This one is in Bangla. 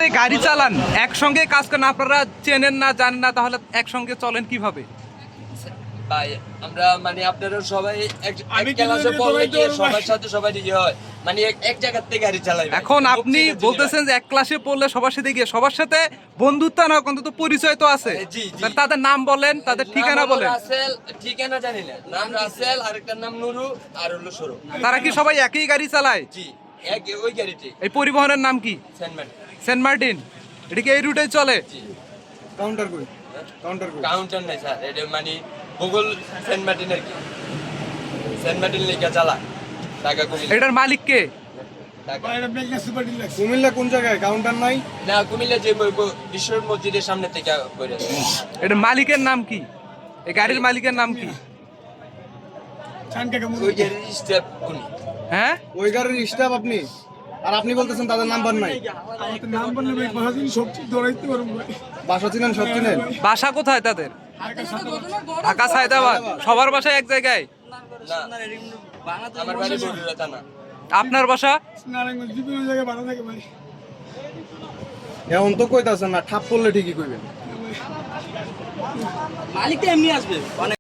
আপনি গাড়ি চালান, একসঙ্গে কাজ করেন, আপনারা চেনেন না জানেন না, তাহলে একসঙ্গে চলেন কিভাবে? ভাই আমরা মানে আপনারা সবাই এক ক্লাসে পড়লে কি সবার সাথে সবাই ইয়ে হয়, মানে এক জায়গা থেকে গাড়ি চালাই। এখন আপনি বলতেছেন যে এক ক্লাসে পড়লে সবার সাথে গিয়ে সবার সাথে বন্ধুত্ব না, অন্তত পরিচয় তো আছে। জি, জি। তাহলে তাদের নাম বলেন, তাদের ঠিকানা বলেন। রাসেল, ঠিকানা জানি না, নাম রাসেল, আরেকটার নাম নুরু, আর হলো সরু। তারা কি সবাই একই গাড়ি চালায়? জি, এক ওই গাড়িটি। এই পরিবহনের নাম কি? সেনম্যান। Saint Martin. এটা কি এই রুটে চলে? জি। কাউন্টার কই? কাউন্টার কই? কাউন্টার নাই স্যার, এটা মানে গুগল সেন্ট মার্টিনের কি সেন্ট মার্টিন লেখা চালা টাকা কুমিল্লা। এটার মালিক কে? ঢাকা। কুমিল্লা কোন জায়গায়? কাউন্টার নাই? না, কুমিল্লা যে বিশ্ব মসজিদের সামনে থেকে করে। এটার মালিকের নাম কি? এই গাড়ির মালিকের নাম কি? ওই গাড়ির স্টেপ উনি। হ্যাঁ, ওই গাড়ির স্টাফ আপনি? আর আপনি বলতেছেন তাদের নাম্বার নাই? বাসা চিনেন, সব চিনেন? বাসা কোথায় তাদের? ঢাকা সায়দাবাদ। সবার বাসা এক জায়গায়? না, আমার বাড়ি বগুড়া থানা। আপনার বাসা? এখন তো কইতাছেন না, ঠাপ পড়লে ঠিকই কইবেন। মালিকটা এমনি আসবে